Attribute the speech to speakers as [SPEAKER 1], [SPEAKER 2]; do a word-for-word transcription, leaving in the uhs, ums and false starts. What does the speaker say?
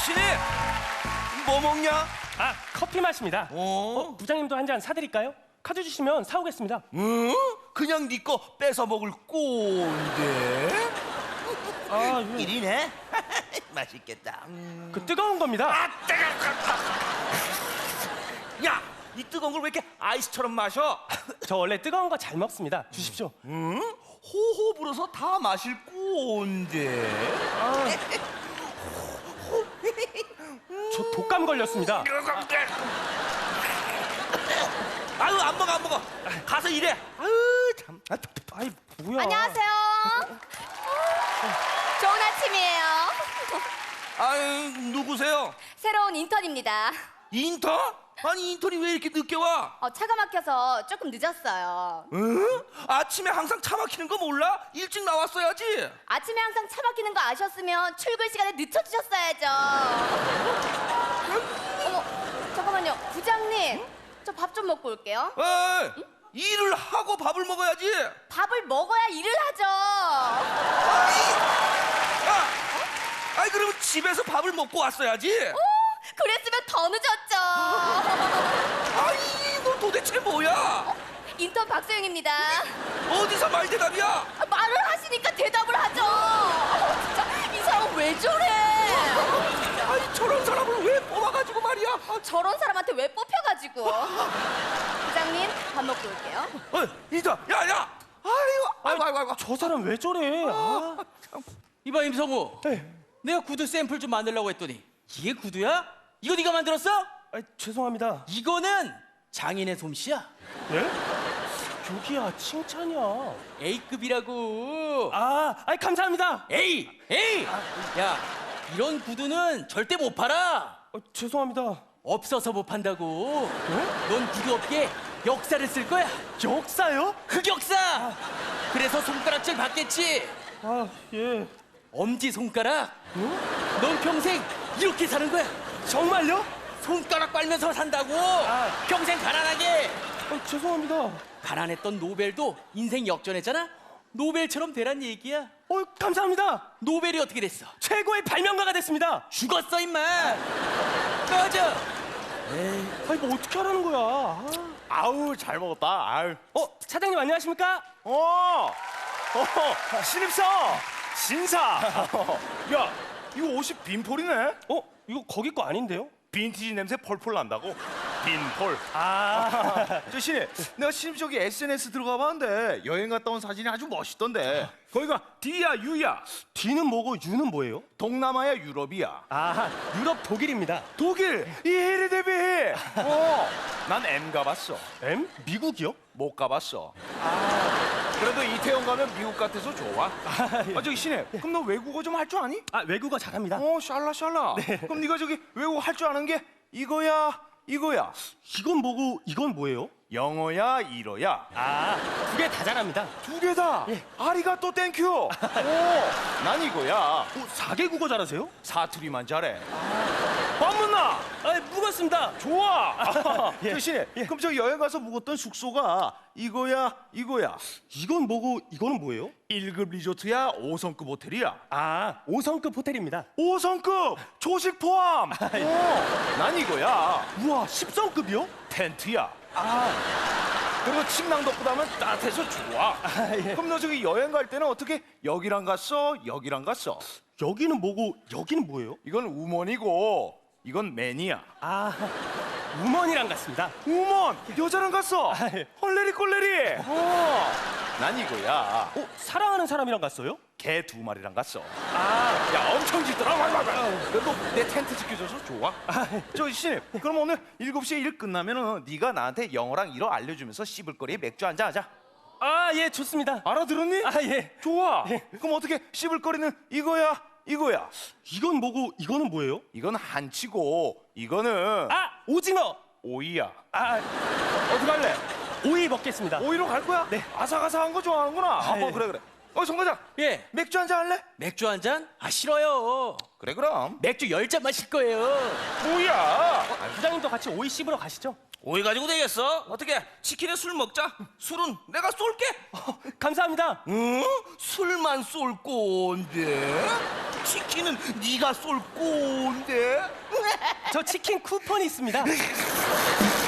[SPEAKER 1] 신이 뭐 먹냐?
[SPEAKER 2] 아, 커피 마십니다.
[SPEAKER 1] 어?
[SPEAKER 2] 어, 부장님도 한 잔 사드릴까요? 카드 주시면 사오겠습니다.
[SPEAKER 1] 응? 그냥 네 거 뺏어 먹을 꼰대.
[SPEAKER 2] 아, 예.
[SPEAKER 1] 일이네. 맛있겠다. 음.
[SPEAKER 2] 그 뜨거운 겁니다.
[SPEAKER 1] 아, 뜨거. 야, 이 뜨거운 걸 왜 이렇게 아이스처럼 마셔?
[SPEAKER 2] 저 원래 뜨거운 거 잘 먹습니다. 주십시오.
[SPEAKER 1] 응? 호호 불어서 다 마실 꼰대.
[SPEAKER 2] 아, 저 독감 걸렸습니다.
[SPEAKER 1] 아유, 안 먹어 안 먹어. 가서 일해. 아유 참. 아,
[SPEAKER 2] 아이, 뭐야?
[SPEAKER 3] 안녕하세요. 좋은 아침이에요.
[SPEAKER 1] 아유, 누구세요?
[SPEAKER 3] 새로운 인턴입니다.
[SPEAKER 1] 인턴? 아니 인턴이 왜 이렇게 늦게 와?
[SPEAKER 3] 어, 차가 막혀서 조금 늦었어요.
[SPEAKER 1] 응? 아침에 항상 차 막히는 거 몰라? 일찍 나왔어야지.
[SPEAKER 3] 아침에 항상 차 막히는 거 아셨으면 출근 시간에 늦춰주셨어야죠. 어머, 잠깐만요. 부장님, 저 밥 좀 먹고 올게요.
[SPEAKER 1] 에이, 일을 하고 밥을 먹어야지.
[SPEAKER 3] 밥을 먹어야 일을 하죠.
[SPEAKER 1] 야, 아이 그러면 집에서 밥을 먹고 왔어야지.
[SPEAKER 3] 오, 그랬으면 더 늦었죠.
[SPEAKER 1] 아이, 너 도대체 뭐야?
[SPEAKER 3] 인턴 박소영입니다.
[SPEAKER 1] 어디서 말대답이야?
[SPEAKER 3] 아, 말을 하시니까 대답을 하죠. 어, 진짜 이 사람 왜 저래?
[SPEAKER 1] 아이, 저런 사람을 왜 뽑아가지고 말이야? 아,
[SPEAKER 3] 저런 사람한테 왜 뽑혀가지고. 부장님, 밥 먹고 올게요.
[SPEAKER 1] 어, 이자, 야, 야. 아이고, 아이고, 아이고, 아이고.
[SPEAKER 2] 저 사람 왜 저래? 아,
[SPEAKER 4] 이봐 임성우,
[SPEAKER 2] 네.
[SPEAKER 4] 내가 구두 샘플 좀 만들려고 했더니 이게 구두야? 이거 네가 만들었어?
[SPEAKER 2] 아, 죄송합니다.
[SPEAKER 4] 이거는 장인의 솜씨야.
[SPEAKER 2] 네? 여기야 칭찬이야.
[SPEAKER 4] A급이라고.
[SPEAKER 2] 아, 아이 감사합니다.
[SPEAKER 4] A, A. 야, 이런 구두는 절대 못 팔아.
[SPEAKER 2] 어, 죄송합니다.
[SPEAKER 4] 없어서 못 판다고. 넌 구두 업계 역사를 쓸 거야.
[SPEAKER 2] 역사요?
[SPEAKER 4] 흑역사. 그래서 손가락질 받겠지.
[SPEAKER 2] 아, 예.
[SPEAKER 4] 엄지 손가락. 넌 평생 이렇게 사는 거야.
[SPEAKER 2] 정말요?
[SPEAKER 4] 손가락 빨면서 산다고.
[SPEAKER 2] 아.
[SPEAKER 4] 평생 가난하게.
[SPEAKER 2] 어, 죄송합니다.
[SPEAKER 4] 가난했던 노벨도 인생 역전했잖아. 노벨처럼 되란 얘기야.
[SPEAKER 2] 어, 감사합니다.
[SPEAKER 4] 노벨이 어떻게 됐어?
[SPEAKER 2] 최고의 발명가가 됐습니다.
[SPEAKER 4] 죽었어 임마. 꺼져.
[SPEAKER 2] 아니 뭐 어떻게 하라는 거야? 아.
[SPEAKER 5] 아우 잘 먹었다. 아유.
[SPEAKER 2] 어, 차장님 안녕하십니까?
[SPEAKER 5] 어, 어, 신입사, 신사. 야, 이거 옷이 빈폴이네.
[SPEAKER 2] 어, 이거 거기 거 아닌데요?
[SPEAKER 5] 빈티지 냄새 펄펄 난다고. 빈폴.
[SPEAKER 2] 아,
[SPEAKER 5] 저 신입, 내가 신입 저기 에스엔에스 들어가 봤는데 여행 갔다 온 사진이 아주 멋있던데. 거기가 D야 U야.
[SPEAKER 2] D는 뭐고 U는 뭐예요?
[SPEAKER 5] 동남아야 유럽이야.
[SPEAKER 2] 아, 유럽 독일입니다.
[SPEAKER 5] 독일 이해리 대비. 어, 난 M 가봤어.
[SPEAKER 2] M? 미국이요?
[SPEAKER 5] 못 가봤어. 그래도 이태원 가면 미국 같아서 좋아. 아 저기 신입, 그럼 너 외국어 좀 할 줄 아니?
[SPEAKER 2] 아, 외국어 잘합니다.
[SPEAKER 5] 어, 샬라 샬라. 그럼 네가 저기 외국어 할 줄 아는 게 이거야, 이거야.
[SPEAKER 2] 이건 뭐고 이건 뭐예요?
[SPEAKER 5] 영어야, 일어야.
[SPEAKER 2] 아, 두 개 다 잘합니다.
[SPEAKER 5] 두 개다.
[SPEAKER 2] 예.
[SPEAKER 5] 아리가또 땡큐. 오, 난 이거야.
[SPEAKER 2] 어, 사개 국어 잘하세요?
[SPEAKER 5] 사투리만 잘해. 반문나.
[SPEAKER 2] 아, 묵었습니다.
[SPEAKER 5] 좋아.
[SPEAKER 2] 예.
[SPEAKER 5] 저 신입, 그럼 저 여행 가서 묵었던 숙소가 이거야, 이거야.
[SPEAKER 2] 이건 뭐고 이거는 뭐예요?
[SPEAKER 5] 일 급 리조트야, 오 성급 호텔이야.
[SPEAKER 2] 아, 오 성급 호텔입니다.
[SPEAKER 5] 오 성급 조식 포함. 오, 난 이거야.
[SPEAKER 2] 우와, 십 성급이요?
[SPEAKER 5] 텐트야. 그리고 침낭 덮고 자면 따뜻해서 좋아.
[SPEAKER 2] 예.
[SPEAKER 5] 그럼 너 저기 여행 갈 때는 어떻게 여기랑 갔어? 여기랑 갔어?
[SPEAKER 2] 여기는 뭐고 여기는 뭐예요?
[SPEAKER 5] 이건 우먼이고 이건 맨이야.
[SPEAKER 2] 아, 우먼이랑 같습니다.
[SPEAKER 5] 우먼 여자랑 갔어.
[SPEAKER 2] 예.
[SPEAKER 5] 헐레리 꼴레리. 어, 난 이거야.
[SPEAKER 2] 어, 사랑하는 사람이랑 갔어요?
[SPEAKER 5] 개 두 마리랑 갔어.
[SPEAKER 2] 아,
[SPEAKER 5] 야 엄청 짖더라. 그래도 내 텐트 지켜줘서 좋아. 저 신입, 그럼 오늘 일곱 시에 일 끝나면은 네가 나한테 영어랑 일어 알려주면서 씹을 거리에 맥주 한잔 하자.
[SPEAKER 2] 아, 예, 좋습니다.
[SPEAKER 5] 알아들었니?
[SPEAKER 2] 아, 예.
[SPEAKER 5] 좋아.
[SPEAKER 2] 예.
[SPEAKER 5] 그럼 어떻게 씹을 거리는 이거야, 이거야.
[SPEAKER 2] 이건 뭐고 이거는 뭐예요?
[SPEAKER 5] 이건 한치고 이거는
[SPEAKER 2] 아, 오징어.
[SPEAKER 5] 오이야.
[SPEAKER 2] 아,
[SPEAKER 5] 어떻게 할래?
[SPEAKER 2] 오이 먹겠습니다.
[SPEAKER 5] 오이로 갈 거야?
[SPEAKER 2] 네.
[SPEAKER 5] 아삭아삭한 거 좋아하는구나. 아,
[SPEAKER 2] 예.
[SPEAKER 5] 그래 그래. 어, 송 과장.
[SPEAKER 4] 예,
[SPEAKER 5] 맥주 한잔 할래?
[SPEAKER 4] 맥주 한 잔? 아 싫어요.
[SPEAKER 5] 그래 그럼.
[SPEAKER 4] 맥주 열 잔 마실 거예요.
[SPEAKER 5] 뭐야?
[SPEAKER 2] 아, 부장님도 같이 오이 씹으러 가시죠.
[SPEAKER 1] 오이 가지고 되겠어? 어떻게 치킨에 술 먹자. 술은 내가 쏠게.
[SPEAKER 2] 어, 감사합니다.
[SPEAKER 1] 응? 술만 쏠 건데 치킨은 네가 쏠 건데.
[SPEAKER 2] 저 치킨 쿠폰이 있습니다.